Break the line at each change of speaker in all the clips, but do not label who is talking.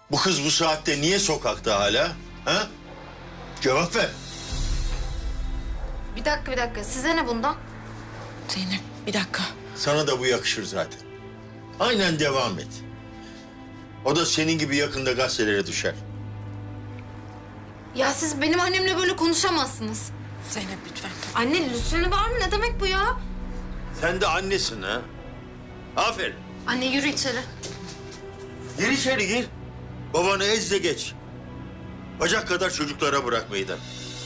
Bu kız bu saatte niye sokakta hala? Ha? Cevap ver.
Bir dakika. Size ne bundan?
Zeynep bir dakika.
Sana da bu yakışır zaten. Aynen devam et. O da senin gibi yakında gazetelere düşer.
Ya siz benim annemle böyle konuşamazsınız.
Zeynep lütfen.
Anne lütfeni var mı? Ne demek bu ya?
Sen de annesin ha. Aferin.
Anne yürü içeri.
Gir içeri gir. Babanı ez de geç. Bacak kadar çocuklara bırak meydan.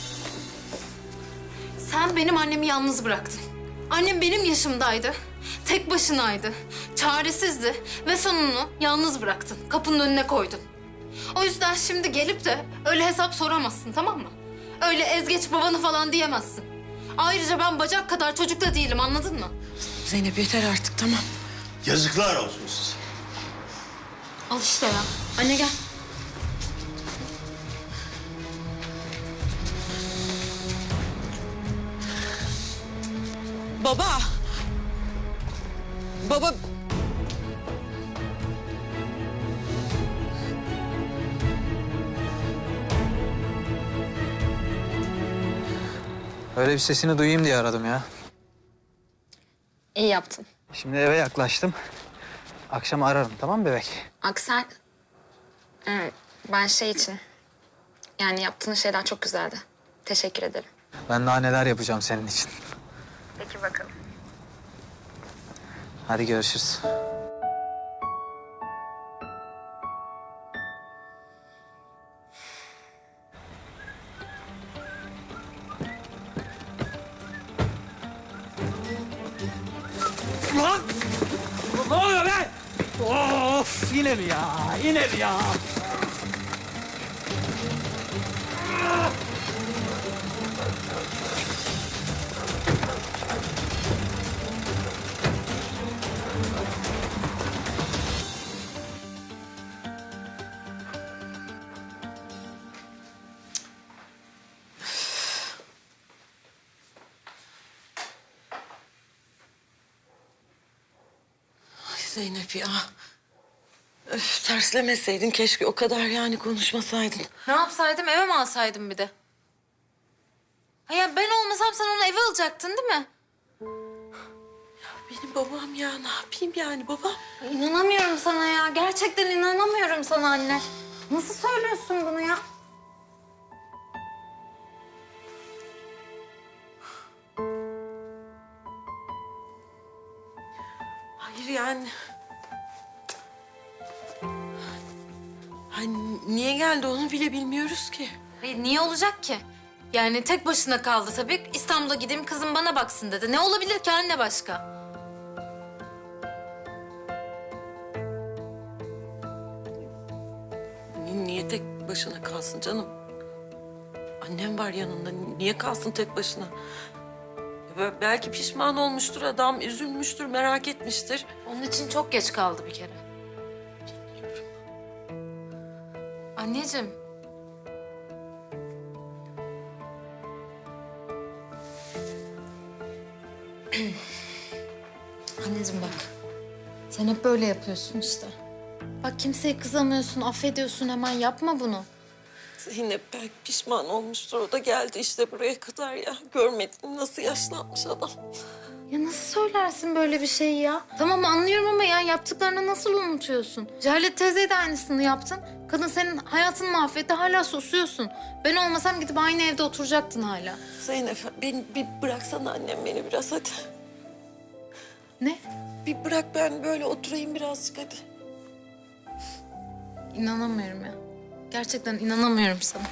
Sen benim annemi yalnız bıraktın. Annem benim yaşımdaydı. Tek başınaydı. Çaresizdi ve sonunu yalnız bıraktın. Kapının önüne koydun. O yüzden şimdi gelip de öyle hesap soramazsın, tamam mı? Öyle ezgeç babanı falan diyemezsin. Ayrıca ben bacak kadar çocuk da değilim, anladın mı?
Zeynep yeter artık tamam.
Yazıklar olsun size.
Al işte ya. Anne gel.
Baba. Baba.
Öyle bir sesini duyayım diye aradım ya.
İyi yaptın.
Şimdi eve yaklaştım. Akşam ararım, tamam mı bebek?
Aksel, ben şey için... Yani yaptığın şeyler çok güzeldi. Teşekkür ederim.
Ben daha neler yapacağım senin için.
Peki bakalım.
Hadi görüşürüz. Lan! Ne oluyor be? Of! Yine mi ya? Yine mi ya?
Ay Zeynep ya. Öf, terslemeseydin keşke o kadar yani konuşmasaydın.
Ne yapsaydım, eve mi alsaydım bir de? Ha ya ben olmasam sen onu eve alacaktın değil mi?
Benim babam ya ne yapayım yani babam?
İnanamıyorum sana ya. Gerçekten inanamıyorum sana anne. Nasıl söylüyorsun bunu ya?
Hayır yani. Ay, niye geldi onu bile bilmiyoruz ki.
Niye olacak ki? Yani tek başına kaldı tabii. İstanbul'a gideyim kızım bana baksın dedi. Ne olabilir ki anne başka?
Niye tek başına kalsın canım? Annem var yanında. Niye kalsın tek başına? Belki pişman olmuştur adam, üzülmüştür, merak etmiştir.
Onun için çok geç kaldı bir kere. Anneciğim. Anneciğim bak. Sen hep böyle yapıyorsun işte. Bak kimseye kızamıyorsun, affediyorsun hemen. Yapma bunu.
Zeynep belki pişman olmuştur. O da geldi işte buraya kadar ya. Görmedin mi nasıl yaşlanmış adam.
Ya nasıl söylersin böyle bir şeyi ya? Tamam anlıyorum ama ya yaptıklarını nasıl unutuyorsun? Cehalet teyzeye de aynısını yaptın. Kadın senin hayatını mahvetti, hala susuyorsun. Ben olmasam gidip aynı evde oturacaktın hala.
Zeynep beni bir bıraksana annem beni biraz hadi.
Ne?
Bir bırak ben böyle oturayım birazcık hadi.
İnanamıyorum ya. Gerçekten inanamıyorum sana.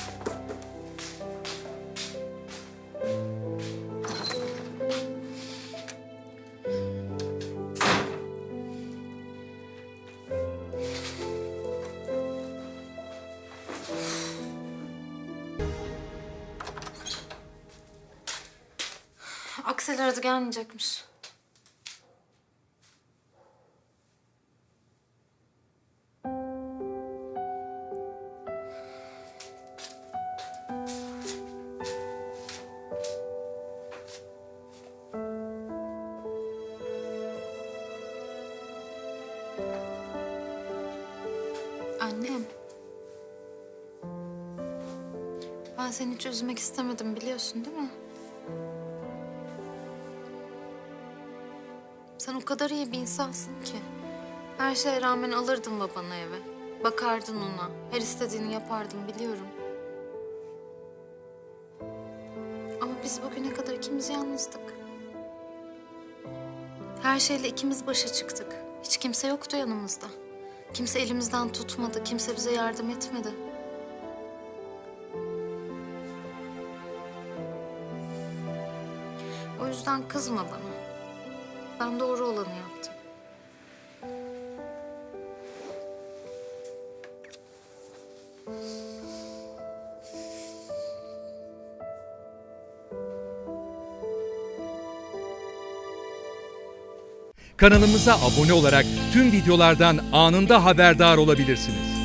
Aksel aradı gelmeyecekmiş. Annem. Ben seni hiç üzmek istemedim, biliyorsun değil mi? Sen o kadar iyi bir insansın ki. Her şeye rağmen alırdın babanı eve. Bakardın ona. Her istediğini yapardın, biliyorum. Ama biz bugüne kadar ikimiz yalnızdık. Her şeyle ikimiz başa çıktık. Hiç kimse yoktu yanımızda. Kimse elimizden tutmadı, kimse bize yardım etmedi. O yüzden kızma bana. Ben doğru olanı yaptım.
Kanalımıza abone olarak tüm videolardan anında haberdar olabilirsiniz.